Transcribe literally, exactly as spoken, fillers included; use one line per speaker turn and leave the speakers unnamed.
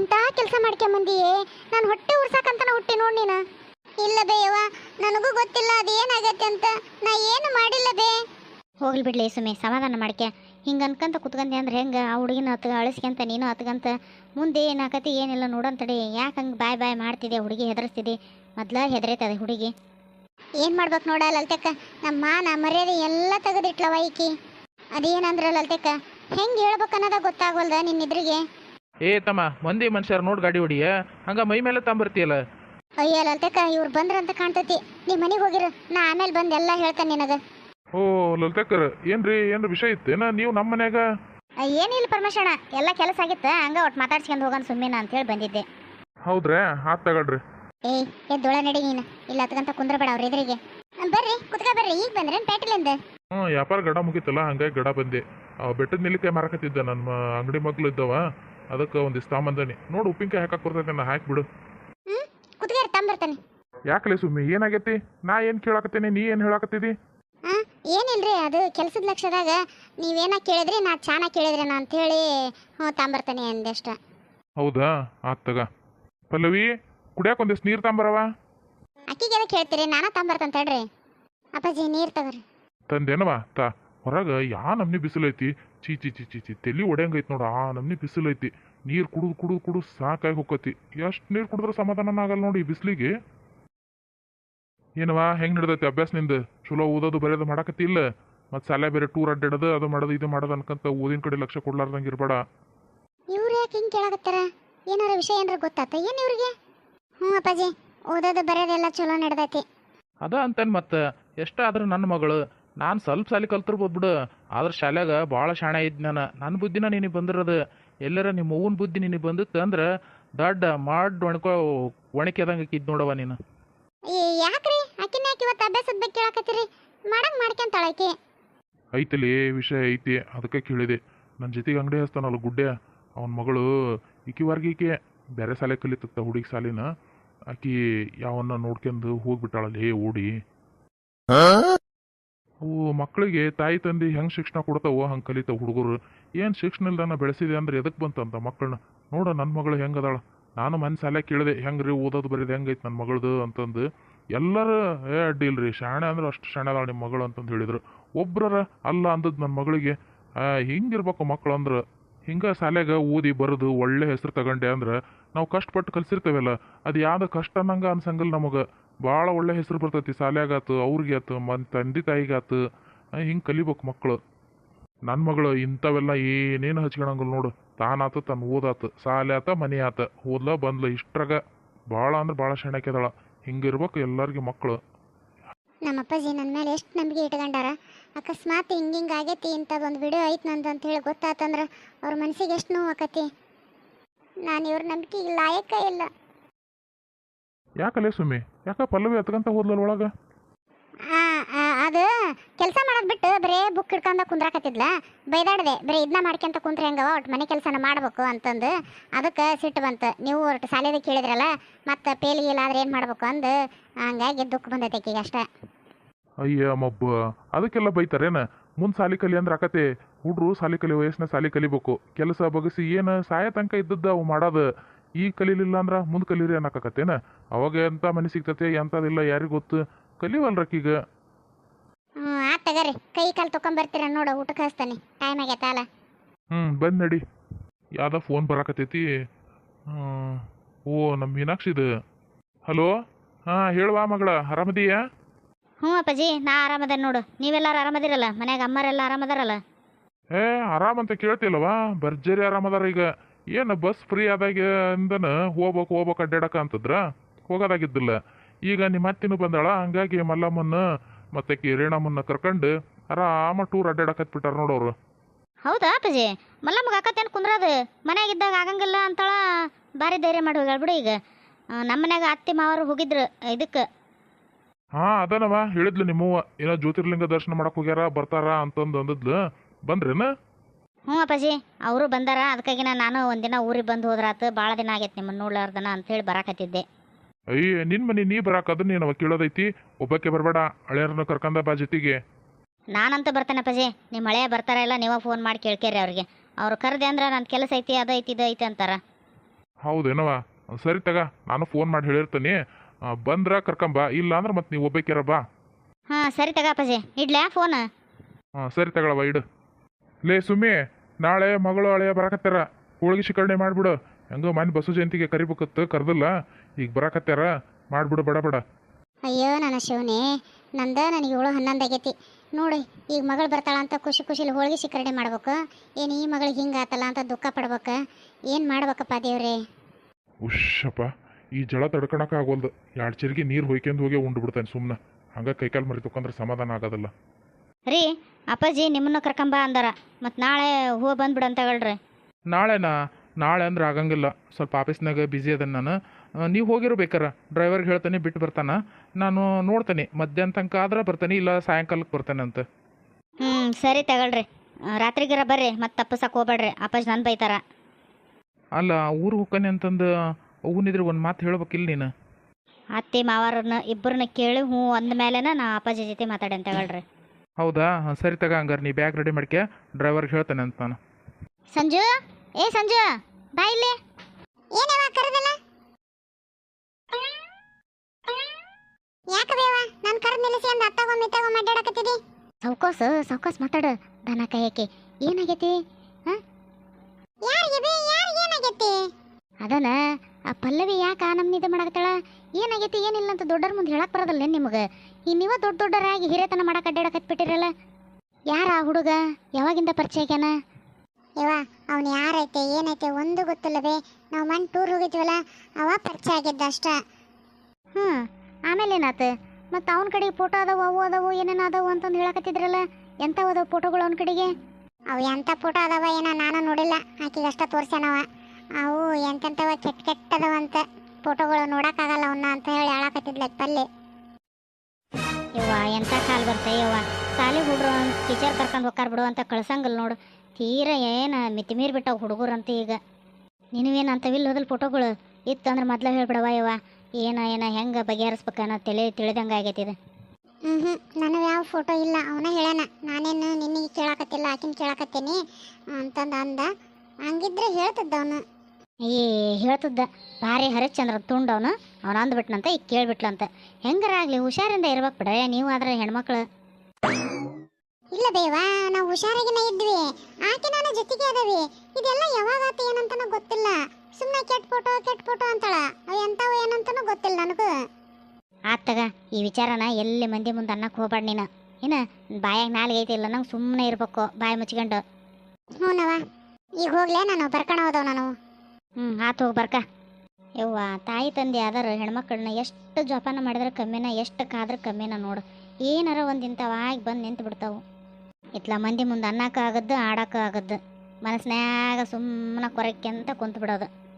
ಎಂತ ಕೆಲಸ ಮಾಡ್ಕೊಂಬಂದಿಯೇ? ನಾನು ಹೊಟ್ಟೆ ಉರ್ಸಕಂತನ ಹುಟ್ಟಿ ನೋಡಿ ನೀನು. ಇಲ್ಲ ಬೇಯವ್ವ, ನನಗೂ ಗೊತ್ತಿಲ್ಲ ಅದು ಏನಾಗತ್ತೆ ಅಂತ. ನಾ ಏನು ಮಾಡಿಲ್ಲ ಬೇ. ಹೋಗ್ಲಿ ಬಿಡ್ಲಿ ಸುಮ್ಮನೆ ಸಮಾಧಾನ ಮಾಡ್ಕೆ. ಹಿಂಗೆ ಅನ್ಕಂತ ಕುತ್ಕಂದೆ ಅಂದ್ರೆ ಹೆಂಗೆ? ಆ ಹುಡುಗಿನ ಹತ್ತು ಅಳಿಸ್ಕೊಂತ ನೀನು ಹತ್ಕಂತ ಮುಂದೆ ಏನಾಕತಿ ಏನಿಲ್ಲ ನೋಡಂತಡಿ. ಯಾಕೆ ಹಂಗೆ ಬಾಯ್ ಬಾಯ್ ಮಾಡ್ತಿದ್ದೆ? ಹುಡುಗಿ ಹೆದರ್ಸ್ತಿದ್ದೆ, ಮೊದ್ಲ ಹೆದರೈತದೆ ಹುಡುಗಿ. ಏನು ಮಾಡ್ಬೇಕು ನೋಡ ಲಲ್ತಕ್ಕ, ನಮ್ಮ ಮಾನ ಮರ್ಯಾದೆ ಎಲ್ಲ ತೆಗೆದಿಟ್ಲವ ಈಕಿ. ಅದೇನಂದ್ರ ಲಲ್ತಕ್ಕ, ಹೆಂಗೆ ಹೇಳ್ಬೇಕು ಅನ್ನೋದ ಗೊತ್ತಾಗೋಲ್ದ ನಿನ್ನಿದ್ರಿಗೆ.
ಏ ತಮ್ಮ, ಮಂದಿ ಮನುಷ್ಯರು ನೋಡಿ ಗಾಡಿ ಹೊಡಿಯ, ಹಂಗ ಮೈ ಮೇಲೆ ತಂಬರ್ತೀಯಲ್ಲ.
ಅಯ್ಯ ಲಲ್ತಕ್ಕ, ಇವ್ರು ಬಂದ್ರಂತ ಕಾಣ್ತೈತಿ. ನೀ ಮನೆಗೆ ಹೋಗಿರು, ನಾ ಆಮೇಲೆ ಬಂದು ಎಲ್ಲ ಹೇಳ್ತೇನೆ ನಿನಗೆ.
ಓ ಲಲಿತಕ್ಕರ್, ಏನ್ರಿ ಏನ್ರ ವಿಷಯ ಇತ್ತೇನ ನೀವು ನಮ್ಮ ಮನ್ಯಾಗ?
ಏನಿಲ್ಲ ಪರಮೇಶಣ್ಣ, ಎಲ್ಲ ಕೆಲಸ ಆಗಿತ್ತ, ಹಂಗ ಒಟ್ಟು ಮಾತಾಡ್ಸ್ಕೊಂಡು ಹೋಗೋಣ ಸುಮ್ಮನೆ ಅಂತ ಹೇಳಿ ಬಂದಿದ್ದೆ.
ಹೌದ್ರಾ? ಆತ್ ತಗೊಳ್ರಿ.
ಏಯ್ ಎದ್ದೊಳ ನಡಿ ನೀನು, ಇಲ್ಲ ಹತ್ಕಂತ ಕುಂದ್ರಬೇಡ ಅವ್ರ ಎದುರಿಗೆ. ಬರ್ರಿ ಕುತ್ಕ ಬರ್ರಿ. ಈಗ ಬಂದ್ರೇನು ಪೇಟೆಲಿಂದ?
ಹ್ಞೂ, ವ್ಯಾಪಾರ ಗಡ ಮುಗಿತಲ್ಲ, ಹಂಗಾಗಿ ಗಡ ಬಂದೆ. ಬೆಟ್ಟದ ನೆಲ್ಲಿಕಾಯಿ ಮಾರಕತ್ತಿದ್ದೆ, ನನ್ನ ಅಂಗಡಿ ಮಗ್ಳು ಇದ್ದವ, ಅದಕ್ಕೆ ಒಂದಿಷ್ಟು ತಾಂಬಂದನಿ. ನೋಡು ಉಪ್ಪಿನಕಾಯಿ ಹಾಕಕ್ ಬರ್ತೈತೆ, ನಾ ಹಾಕ್ಬಿಡು.
ಹ್ಞೂ ಕುತ್ಗಾರ ತಂಬರ್ತಾನೆ.
ಯಾಕಲೆ ಸುಮ್ಮಿ, ಏನಾಗೈತಿ? ನಾ ಏನು ಕೇಳಾಕತ್ತೀನಿ, ನೀ ಏನು ಹೇಳಾಕತ್ತಿದಿ?
ಹಾಂ ಏನಿಲ್ರಿ, ಅದು ಕೆಲಸದ ಲಕ್ಷದಾಗ ನೀವೇನ ಕೇಳಿದ್ರಿ, ನಾ ಚಾನ ಕೇಳಿದ್ರೇನ ಅಂತೇಳಿ ಹ್ಞೂ ತಾಂಬರ್ತಾನೆ ಅಂದಷ್ಟ.
ಹೌದಾ? ಆತ್ ತಗ. ಪಲ್ಲವಿ, ಕುಡಿಯಾಕ ಒಂದಿಷ್ಟು ನೀರು ತಾಂಬರವ.
ಅಕ್ಕಿಗೆ ಅದಕ್ಕೆ ಹೇಳ್ತೀರಿ, ನಾನಾ ತಾಂಬರ್ತಂತ ಹೇಳ್ರಿ. ಅಪ್ಪಾಜಿ ನೀರು ತಗೋರಿ.
ತಂದೇನವ ತಾ. ಹೊರಗೆ ಯಾ ನಮ್ನಿ ಬಿಸಿಲೈತಿ, ಚೀ ಚಿ ಚಿ ಚಿ ಚಿ ತೆಲಿ ಒಡೆಯಂಗೈತಿ ನೋಡು, ಆ ನಮ್ನಿ ಬಿಸಿಲೈತಿ. ನೀರು ಕುಡಿದು ಕುಡಿದು ಕುಡಿದು ಸಾಕಾಗಿ ಹೋಗತಿ. ಎಷ್ಟು ನೀರು ಕುಡಿದ್ರೆ ಸಮಾಧಾನ ಆಗಲ್ಲ ನೋಡಿ ಈ ಬಿಸಿಲಿಗೆ. ಏನವಾ ಹೆಂಗೆ ನಡ್ದೈತಿ ಅಭ್ಯಾಸ ನಿಂದು? ಚಲೋ ಓದೋದು ಬರೆಯೋದು ಮಾಡಾಕತ್ತಿ ಇಲ್ಲ? ಮತ್ತು ಸಾಲ ಬೇರೆ ಟೂರ್ ಅಡ್ಡಾಡೋದು ಅದು ಮಾಡೋದು ಇದು ಮಾಡೋದು ಅನ್ಕಂತ ಓದಿನ ಕಡೆ ಲಕ್ಷ ಕೊಡ್ಲಾರ್ದಂಗೆ ಇರಬೇಡ.
ಇವ್ರು ಯಾಕೆ ಹಿಂಗೆ ಕೇಳಾಕತ್ತಾರ? ಏನಾರ ವಿಷಯ ಏನಾರ ಗೊತ್ತಾತ ಏನು ಇವ್ರಿಗೆ? ಹ್ಞೂ ಅಪ್ಪಾಜಿ, ಓದೋದು ಬರೆಯೋದೆಲ್ಲ ಚಲೋ ನಡ್ದೈತಿ.
ಅದ ಅಂತೇನು ಮತ್ತೆ, ಎಷ್ಟಾದ್ರೂ ನನ್ನ ಮಗಳು. ನಾನು ಸ್ವಲ್ಪ ಸಾಲಿ ಕಲ್ತಿರ್ಬೋದು ಬಿಡು, ಆದ್ರೆ ಶಾಲ್ಯಾಗ ಭಾಳ ಶಾಣೆ ಇದ್ದು ನಾನು. ನನ್ನ ಬುದ್ಧಿನ ನಿನಗೆ ಬಂದಿರೋದು. ಎಲ್ಲರ ನಿಮ್ಮ ಅವ್ವನ ಬುದ್ಧಿ ನಿನಗೆ ಬಂದಿತ್ತು ಅಂದ್ರೆ ದೊಡ್ಡ ಮಾಡಿ ಒಣಕೋ ಒಣಕೆದಂಗೆ ಇದ್ದು ನೋಡವ ನೀನು.
ಯಾಕ್ರಿ ಆಕಿನ ಯಾಕೆ ಇವತ್ತು ಅಭ್ಯಾಸದ ಬಗ್ಗೆ ಕೇಳಾಕತ್ತೀರಿ? ಮಾಡಂಗೆ ಮಾಡ್ಕೊಂತಾಳ ಆಕಿ.
ಐತಲಿ ವಿಷಯ ಐತಿ, ಅದಕ್ಕೆ ಕೇಳಿದೆ. ನನ್ನ ಜೊತೆಗೆ ಅಂಗಡಿ ಹಚ್ತಾನಲ್ಲ ಗುಡ್ಡೆ, ಅವನ ಮಗಳು ಈಕಿವರೆಗೆ ಈಕೆ ಬೇರೆ ಶಾಲೆ ಕಲಿತತ್ತ ಹುಡುಗಿ ಶಾಲಿನ. ಆಕಿ ಯಾವನ್ನ ನೋಡ್ಕೊಂಡು ಹೋಗ್ಬಿಟ್ಟಾಳಲ್ಲಿ ಓಡಿ. ಅವು ಮಕ್ಕಳಿಗೆ ತಾಯಿ ತಂದೆ ಹೆಂಗೆ ಶಿಕ್ಷಣ ಕೊಡ್ತಾವೋ ಹಂಗೆ ಕಲಿತಾವ ಹುಡುಗರು. ಏನು ಶಿಕ್ಷಣ ಇಲ್ದಾನ ಬೆಳೆಸಿದೆ ಅಂದ್ರೆ ಎದಕ್ಕೆ ಬಂತಂತ ಮಕ್ಕಳನ್ನ ನೋಡ. ನನ್ನ ಮಗಳು ಹೆಂಗೆ ಅದಾಳ? ನಾನು ಮನೆ ಶಾಲೆ ಕೇಳಿದೆ, ಹೆಂಗೆ ರೀ ಓದೋದು ಬರೀದು ಹೆಂಗೈತೆ ನನ್ನ ಮಗಳದು ಅಂತಂದು. ಎಲ್ಲರೂ ಏ ಅಡ್ಡಿಲ್ಲ ರೀ, ಶಾಣೆ ಅಂದ್ರೆ ಅಷ್ಟು ಶಾಣೆ ಅದಾಳ ನಿಮ್ಮ ಮಗಳು ಅಂತಂದು ಹೇಳಿದ್ರು. ಒಬ್ರರ ಅಲ್ಲ ಅಂದದ್ದು ನನ್ನ ಮಗಳಿಗೆ. ಹಿಂಗಿರ್ಬೇಕು ಮಕ್ಕಳು ಅಂದ್ರೆ. ಹಿಂಗೆ ಶಾಲೆಗೆ ಓದಿ ಬರೋದು ಒಳ್ಳೆ ಹೆಸರು ತಗೊಂಡೆ ಅಂದ್ರೆ ನಾವು ಕಷ್ಟಪಟ್ಟು ಕಲಿಸಿರ್ತೇವಲ್ಲ, ಅದು ಯಾವ್ದು ಕಷ್ಟ ಅನ್ನಂಗೆ ಅನ್ಸಂಗಲ್ಲ ನಮಗೆ. ಭಾಳ ಒಳ್ಳೆ ಹೆಸರು ಬರ್ತೈತಿ ಶಾಲ್ಯಾಗಾತು, ಅವ್ರಿಗೆ ಆತು, ಮನ್ ತಂದೆ ತಾಯಿಗಾತು. ಹಿಂಗೆ ಕಲಿಬೇಕು ಮಕ್ಕಳು. ನನ್ನ ಮಗಳು ಇಂಥವೆಲ್ಲ ಏನೇನು ಹಚ್ಕೊಳಂಗಿಲ್ಲ ನೋಡು. ತಾನಾತು ತನ್ನ ಓದಾತು, ಶಾಲೆ ಆತ ಮನೆ ಆತ, ಓದ್ಲ ಬಂದ್ಲ ಇಷ್ಟ್ರಾಗ ಭಾಳ ಅಂದ್ರೆ ಭಾಳ ಶಾಣಕ್ಯದಾಳ. ಹಿಂಗಿರ್ಬೇಕು ಎಲ್ಲರಿಗೂ ಮಕ್ಕಳು.
ನಮ್ಮ ಅಪ್ಪಾಜಿ ನನ್ನ ಮೇಲೆ ಎಷ್ಟು ನಂಬಿಕೆ ಇಟ್ಕೊಂಡಾರ. ಅಕಸ್ಮಾತ್ ಹಿಂಗೆ ಹಿಂಗೆ ಆಗೈತಿ ಇಂಥದ್ದೊಂದು ವಿಡಿಯೋ ಐತೆ ನಂದು ಅಂತ ಹೇಳಿ ಗೊತ್ತಾತಂದ್ರೆ ಅವ್ರ ಮನಸ್ಸಿಗೆ ಎಷ್ಟು ನೋವು ಆಕತಿ. ನಾನು ಇವ್ರ ನಂಬಿಕೆಗೆ ಲಾಯಕ ಇಲ್ಲ.
ಯಾಕಲ್ಲೇ ಸುಮ್ಮಿ, ಯಾಕ ಪಲ್ಲವಿ ಹತ್ಕಂತ ಹೋದ್ಲಲ್ಲ ಒಳಗೆ?
ಅದು ಕೆಲಸ ಮಾಡೋದು ಬಿಟ್ಟು ಬರೇ ಬುಕ್ ಹಿಡ್ಕೊಂಡ ಕುಂದ್ರಾಕತ್ತಿದ್ಲ. ಬೈದಾಡ್ದೆ, ಬರೀ ಇದನ್ನ ಮಾಡ್ಕೊಂತ ಕುಂತ್ರೆ ಹೆಂಗವ, ಒಟ್ಟು ಮನೆ ಕೆಲಸನ ಮಾಡ್ಬೇಕು ಅಂತಂದು. ಅದಕ್ಕೆ ಸಿಟ್ಟು ಬಂತು. ನೀವು ಒಟ್ಟು ಶಾಲೆದ ಕೇಳಿದ್ರಲ್ಲ, ಮತ್ತು ಪೇಲಿಗಿಲ್ಲ ಆದ್ರೆ ಏನು ಮಾಡ್ಬೇಕು ಅಂದು ಹಂಗಾಗಿ ದುಃಖ ಬಂದೈತೆ ಆಕಿಗೆ ಅಷ್ಟೇ.
ಅಯ್ಯ ಮಬ್ಬ, ಅದಕ್ಕೆಲ್ಲ ಬೈತಾರೇನ? ಮುಂದೆ ಸಾಲಿ ಕಲಿ ಅಂದ್ರೆ ಆಕತೆ. ಹುಡ್ರು ಸಾಲಿ ಕಲಿ ವಯಸ್ಸಿನ ಸಾಲಿ ಕಲಿಬೇಕು. ಕೆಲಸ ಬಗಸಿ ಏನು ಸಾಯ ತನಕ ಇದ್ದದ್ದು ಅವು ಮಾಡೋದು. ಈಗ ಕಲೀಲಿಲ್ಲ ಅಂದ್ರೆ ಮುಂದೆ ಕಲೀರಿ ಅನ್ನಕಾಕತ್ತೇನ? ಅವಾಗ ಎಂಥ ಮನೆ ಸಿಗ್ತತೆ ಎಂಥದಿಲ್ಲ ಯಾರಿಗೆ ಗೊತ್ತು. ಕಲಿವಲ್ರಕ್ಕೀಗ.
ಹ್ಞೂ ಆತ್ ತಗರಿ, ಕೈ ಕಾಲು ತೊಗೊಂಬರ್ತೀರ ನೋಡು, ಊಟಕ್ಕೆ ಹಚ್ತಾನೆ, ಟೈಮ್ ಆಗೈತಲ್ಲ.
ಹ್ಞೂ ಬಂದು ನಡಿ. ಯಾವ್ದೋ ಫೋನ್ ಬರಾಕತ್ತೈತಿ. ಓ ನಮ್ಮ ಮೀನಾಕ್ಷಿದು. ಹಲೋ, ಹಾಂ ಹೇಳುವ ಮಗಳ, ಆರಾಮದೀಯಾ?
ಹ್ಞೂ ಅಪ್ಪಾಜಿ, ನಾ ಆರಾಮದ ನೋಡು. ನೀವೆಲ್ಲರೂ ಆರಾಮದಿರಲ್ಲ? ಮನ್ಯಾಗ ಅಮ್ಮರೆಲ್ಲ ಆರಾಮದಾರಲ್ಲ?
ಏ ಆರಾಮಂತ ಕೇಳ್ತಿಲ್ಲವಾ, ಭರ್ಜರಿ ಆರಾಮದಾರ. ಈಗ ಏನು ಬಸ್ ಫ್ರೀ ಆದಾಗ ಇಂದನ ಹೋಗ್ಬೇಕು ಹೋಗ್ಬೇಕು ಅಡ್ಡಾಡಕ ಅಂತಂದ್ರ ಹೋಗೋದಾಗಿದ್ದಿಲ್ಲ. ಈಗ ನಿಮ್ಮ ಅತ್ತಿನೂ ಬಂದಾಳ, ಹಂಗಾಗಿ ಮಲ್ಲಮ್ಮನ್ನ ಮತ್ತೆ ರೇಣಮ್ಮನ್ನ ಕರ್ಕೊಂಡು ಆರಾಮ ಟೂರ್ ಅಡ್ಡಾಡಕತ್ ಬಿಟ್ಟಾರ ನೋಡೋರು.
ಹೌದಾ ಅಪ್ಪಾಜಿ? ಮಲ್ಲಮ್ಮಗ ಅಕ್ಕತ್ತೇನು ಕುಂದ್ರದು? ಮನ್ಯಾಗಿದ್ದಾಗ ಆಗಂಗಿಲ್ಲ ಅಂತಾಳ, ಭಾರಿ ಧೈರ್ಯ ಮಾಡಿ ಹೋಗ್ಯಾಳ ಬಿಡು. ಈಗ ನಮ್ಮ ಮನ್ಯಾಗ ಅತ್ತಿ ಮಾವರು ಹೋಗಿದ್ರು ಇದಕ್ಕೆ.
ಹಾಂ ಅದನವ ಹೇಳಿದ್ಲು ನಿಮ್ಮವ್ವ, ಏನೋ ಜ್ಯೋತಿರ್ಲಿಂಗ ದರ್ಶನ ಮಾಡಕ್ ಹೋಗ್ಯಾರ ಬರ್ತಾರ ಅಂತಂದು ಅಂದದ್ಲು. ಬಂದ್ರೇನ?
ಹ್ಞೂ ಅಪ್ಪಾಜಿ, ಅವರು ಬಂದಾರ. ಅದಕ್ಕಾಗಿನ ನಾನು ಒಂದಿನ ಊರಿಗೆ ಬಂದು ಹೋದ್ರಾತು, ಭಾಳ ದಿನ ಆಗೈತೆ ನಿಮ್ಮನ್ನು ನೋಡ್ಲಾರ್ದನ ಅಂತೇಳಿ ಬರಾಕತ್ತಿದ್ದೆ.
ಅಯ್ಯ ನಿನ್ನ ಮನೆ ನೀ ಬರಾಕ ಅದನ್ನ ಏನವ ಕೇಳೋದೈತಿ. ಒಬ್ಬಕ್ಕೆ ಬರಬೇಡ, ಹಳೆಯರನ್ನ ಕರ್ಕೊಂಡ ಬಾ ಜೊತೆಗೆ.
ನಾನಂತೂ ಬರ್ತೇನೆ ಅಪ್ಪಾಜಿ. ನಿಮ್ಮ ಹಳೆಯ ಬರ್ತಾರ ಇಲ್ಲ, ನೀವ ಫೋನ್ ಮಾಡಿ ಕೇಳ್ಕೇರಿ ಅವ್ರಿಗೆ. ಅವ್ರು ಕರೆದೆ ಅಂದ್ರೆ ನನ್ನ ಕೆಲಸ ಐತಿ, ಅದು ಐತಿ ಇದು ಐತಿ ಅಂತಾರ.
ಹೌದೇನವ ಸರಿ ತಗ ನಾನು ಫೋನ್ ಮಾಡಿ ಹೇಳಿರ್ತೀನಿ ಆ, ಬಂದ್ರ ಕರ್ಕೊಂಬ ಇಲ್ಲ ಅಂದ್ರೆ ಮತ್ತೆ ನೀವು ಒಬ್ಬಾಕ್ಯಾರ ಬಾ
ಹಾಂ ಸರಿ ತಗ ಅಪ್ಪಾಜಿ ಇಡ್ಲ್ಯಾ ಫೋನ್
ಹಾಂ ಸರಿ ತಗೊಳವ ಇಡು ಲೇ ಸುಮ್ಮಿ ನಾಳೆ ಮಗಳು ಹಳೆಯ ಬರಾಕತ್ತಾರ ಹೋಳಿಗೆ ಶಿಕರಣೆ ಮಾಡಿಬಿಡು ಹೆಂಗೋ ಮನೆ ಬಸವ ಜಯಂತಿಗೆ ಕರಿಬೇಕತ್ತು ಕರೆದಿಲ್ಲ ಈಗ ಬರಾಕತ್ತಾರ ಮಾಡಿಬಿಡು ಬಡ ಬಡ
ಅಯ್ಯೋ ನನ್ನ ಶಿವನೇ ನಂದ ನನಗೆ ಏಳು ಹನ್ನೊಂದು ಆಗೈತಿ ನೋಡಿ ಈಗ ಮಗಳು ಬರ್ತಾಳ ಅಂತ ಖುಷಿ ಖುಷಿಲಿ ಹೋಳಿಗೆ ಶಿಖರಣೆ ಮಾಡ್ಬೇಕು ಏನು ಈ ಮಗಳಿಗೆ ಹಿಂಗೆ ಆತಲ್ಲ ಅಂತ ದುಃಖ ಪಡ್ಬೇಕು ಏನು ಮಾಡ್ಬೇಕಪ್ಪ ದೇವ್ರೇ
ಉಶ್ಶಪ್ಪ ಈ ಜಳ ತಡ್ಕೊಳಕ ಆಗೋಲ್ದು ಎರಡು ಚರಿಗೆ ನೀರು ಹೊಯ್ಕೊಂಡು ಹೋಗಿ ಉಂಡು ಬಿಡ್ತಾನೆ ಸುಮ್ಮನೆ ಹಂಗೆ ಕೈಕಾಲು ಮರಿತಕ್ಕಂದ್ರೆ ಸಮಾಧಾನ ಆಗೋದಿಲ್ಲ
ರೀ ಅಪ್ಪಾಜಿ ನಿಮ್ಮನ್ನು ಕರ್ಕೊಂಬ ಅಂದಾರ ಮತ್ತು ನಾಳೆ ಹೂ ಬಂದ್ಬಿಡು ಅಂತ ಹೇಳ್ರಿ
ನಾಳೆನಾ ನಾಳೆ ಅಂದ್ರೆ ಆಗಂಗಿಲ್ಲ ಸ್ವಲ್ಪ ಆಫೀಸ್ನಾಗ ಬ್ಯುಸಿ ಅದೇನೆ ನಾನು ನೀವು ಹೋಗಿರ್ಬೇಕಾರ ಡ್ರೈವರ್ಗೆ ಹೇಳ್ತಾನೆ ಬಿಟ್ಟು ಬರ್ತಾನೆ ನಾನು ನೋಡ್ತೇನೆ ಮಧ್ಯಾಹ್ನ ತನಕ ಆದ್ರೆ ಬರ್ತಾನೆ ಇಲ್ಲ ಸಾಯಂಕಾಲಕ್ಕೆ ಬರ್ತಾನೆ ಅಂತ
ಹ್ಞೂ ಸರಿ ತಗೊಳ್ರಿ ರಾತ್ರಿಗಿರ ಬರ್ರಿ ಮತ್ತೆ ತಪ್ಪಸಕ್ಕೆ ಹೋಗ್ಬೇಡ್ರಿ ಅಪ್ಪಾಜಿ ನನ್ನ ಬೈತಾರ
ಅಲ್ಲ ಊರು ಹೋಗ್ತಾನೆ ಅಂತಂದು ಹೂನಿದ್ರೆ ಒಂದು ಮಾತು ಹೇಳ್ಬೇಕಿಲ್ಲ ನೀನು
ಅತ್ತೆ ಮಾವಾರನ್ನ ಇಬ್ಬರನ್ನ ಕೇಳಿ ಹ್ಞೂ ಅಂದಮೇಲೆ ನಾ ಅಪ್ಪಾಜಿ ಜೊತೆ ಮಾತಾಡಿ ಅಂತ ಹೇಳ್ರಿ
ಹೌದಾ ಹಾಂ ಸರಿ ತಗ ಹಂಗಾರೆ ನೀ ಬ್ಯಾಗ್ ರೆಡಿ ಮಾಡ್ಕೆ ಡ್ರೈವರ್ಗೆ ಹೇಳ್ತಾನೆ ಅಂತ ನಾನು
ಸಂಜು ಏ ಸಂಜು ಬಾ ಇಲ್ಲಿ ಏನವ ಕರೆದಲ್ಲ ಯಾಕ ಬೇವ ನಾನು ಕರೆದ ನಿಲ್ಲಿಸಿ ಅಂದ ಅತ್ತಾಗೊಮ್ಮೆ ಇತ್ತಾಗೊಮ್ಮೆ ಅಡ್ಡಾಡಕತ್ತಿದಿ ಸೌಕಾಸ್ ಸೌಕಾಸ್ ಮಾತಾಡು ದನ ಕಾಯಕ್ಕೆ ಏನಾಗೈತಿ ಹಾಂ ಯಾರಿಗೆ ಬೇ ಯಾರಿಗೆ ಏನಾಗೈತಿ ಅದನ್ನ ಆ ಪಲ್ಲವಿ ಯಾಕೆ ಆ ನಮ್ನಿದೆ ಮಾಡಕತ್ತಾಳ ಏನಾಗೈತಿ ಏನಿಲ್ಲ ಅಂತ ದೊಡ್ಡರ ಮುಂದೆ ಹೇಳಕ್ ಬರೋದಲ್ಲ ನಿಮಗೆ ಈ ನೀವ ದೊಡ್ಡ ದೊಡ್ಡರಾಗಿ ಹಿರೇತನ ಮಾಡಕ್ ಅಡ್ಡಾಡಕತ್ಬಿಟ್ಟಿರಲ್ಲ ಯಾರ ಆ ಹುಡುಗ ಯಾವಾಗಿಂದ ಪರಿಚಯ ಆಗ್ಯಾನ ಯವ್ವ ಅವನು ಯಾರೈತೆ ಏನೈತೆ ಒಂದು ಗೊತ್ತಿಲ್ಲ ಬೇ ನಾವು ಮನ್ ಟೂರ್ ಹೋಗಿದ್ವಲ್ಲ ಅವ ಪರಿಚಯ ಆಗಿದ್ದ ಅಷ್ಟ ಹ್ಞೂ ಆಮೇಲೆ ಏನಾತ ಮತ್ತು ಅವನ ಕಡೆಗೆ ಫೋಟೋ ಅದಾವು ಅವು ಅದಾವು ಏನೇನು ಅದಾವು ಅಂತಂದು ಹೇಳಕತ್ತಿದ್ರಲ್ಲ ಎಂಥವು ಅದಾವು ಫೋಟೋಗಳು ಅವನ ಕಡೆಗೆ ಅವು ಎಂಥ ಫೋಟೋ ಅದಾವ ಏನೋ ನಾನು ನೋಡಿಲ್ಲ ಆಕಿಗೆ ಅಷ್ಟ ತೋರ್ಸ್ಯಾನವ ಅವು ಎಂತೆಂಥವ ಕೆಟ್ಟ ಕೆಟ್ಟದವಂತ ಫೋಟೋಗಳು ನೋಡೋಕ್ಕಾಗಲ್ಲ ಅವನ್ನ ಅಂತ ಹೇಳಿ ಹೇಳಕತ್ತಿದ್ಲ ಪಲ್ಲೆ ಯವ್ವ ಎಂಥ ಕಾಲ್ ಬರ್ತೆ ಯವ್ವ ಸಾಲಿ ಹುಡ್ರು ಟೀಚರ್ ಕರ್ಕೊಂಡು ಹೋಗ್ಕಾರ ಬಿಡು ಅಂತ ಕಳ್ಸಂಗಲ್ಲ ನೋಡು ತೀರಾ ಏನು ಮಿತಿ ಮೀರಿ ಬಿಟ್ಟಾವ ಹುಡುಗರಂತ ಈಗ ನೀವೇನು ಅಂತವಿಲ್ಲ ಹೋದಲ್ ಫೋಟೋಗಳು ಇತ್ತು ಅಂದ್ರೆ ಮೊದಲೇ ಹೇಳ್ಬಿಡವ ಯವ್ವ ಏನ ಏನ ಹೆಂಗೆ ಬಗೆಹರಿಸ್ಬೇಕು ಅನ್ನೋ ತಲೆ ತಿಳಿದಂಗೆ ಆಗೈತಿ ಇದು ಹ್ಞೂ ಹ್ಞೂ ನನಗೆ ಯಾವ ಫೋಟೋ ಇಲ್ಲ ಅವನ ಹೇಳೋಣ ನಾನೇನು ನಿನಗೆ ಕೇಳಾಕತ್ತಿಲ್ಲ ಆಕಿನ ಕೇಳಾಕತ್ತೀನಿ ಅಂತಂದು ಅಂದ ಹಂಗಿದ್ರೆ ಹೇಳ್ತಿದ್ದ ಅವನು ಏ ಹೇಳ್ತಿದ್ದ ಭಾರಿ ಹರಿಶ್ಚಂದ್ರ ತುಂಡವನು ಅವನು ಅಂದ್ಬಿಟ್ನಂತ ಈಗ ಕೇಳ್ಬಿಟ್ಲಂತ ಹೆಂಗಾರ ಆಗಲಿ ಹುಷಾರಿಂದ ಇರ್ಬೇಕು ಬಿಡ್ರೆ ನೀವು ಆದ್ರೆ ಹೆಣ್ಮಕ್ಳು ಇಲ್ಲ ಬೇವಾ ನಾವು ಹುಷಾರಾಗಿನ ಇದ್ವಿ ಆಕೆ ನಾನು ಜೊತೆಗೆ ಅದಾವಿ ಇದೆಲ್ಲ ಯಾವಾಗ ಆತ ಏನಂತನೂ ಗೊತ್ತಿಲ್ಲ ಸುಮ್ಮನೆ ಕೆಟ್ಟ ಫೋಟೋ ಕೆಟ್ಟ ಫೋಟೋ ಅಂತಾಳ ಅವು ಎಂಥವು ಏನಂತನೂ ಗೊತ್ತಿಲ್ಲ ನನಗೂ ಆತಗ ಈ ವಿಚಾರನ ಎಲ್ಲಿ ಮಂದಿ ಮುಂದೆ ಅನ್ನಕ್ಕೆ ಹೋಗ್ಬೇಡ ನೀನು ಏನು ಬಾಯಾಗ ನಾಲ್ಗೆ ಐತಿ ಇಲ್ಲ ನಂಗೆ ಸುಮ್ಮನೆ ಇರ್ಬೇಕು ಬಾಯಿ ಮುಚ್ಕೊಂಡು ಹ್ಞೂನವ ಈಗ ಹೋಗ್ಲೇ ನಾನು ಬರ್ಕೊಂಡು ಹೋದವ್ ನಾನು ಹ್ಞೂ ಆತು ಹೋಗಿ ಬರ್ಕ ಯವ್ವ ತಾಯಿ ತಂದೆ ಆದರೂ ಹೆಣ್ಮಕ್ಳನ್ನ ಎಷ್ಟು ಜೋಪಾನ ಮಾಡಿದ್ರೆ ಕಮ್ಮಿನ ಎಷ್ಟು ಕಾದ್ರೆ ಕಮ್ಮಿನ ನೋಡು ಏನಾರ ಒಂದು ಇಂಥವಾಗಿ ಬಂದು ನಿಂತು ಬಿಡ್ತಾವು ಇತ್ಲ ಮಂದಿ ಮುಂದೆ ಅನ್ನಕ್ಕೆ ಆಗದ್ದು ಆಡೋಕೆ ಆಗದ್ದು ಮನಸ್ನ್ಯಾಗ ಸುಮ್ಮನೆ ಕೊರಕ್ಕೆಂತ ಕುಂತು ಬಿಡೋದು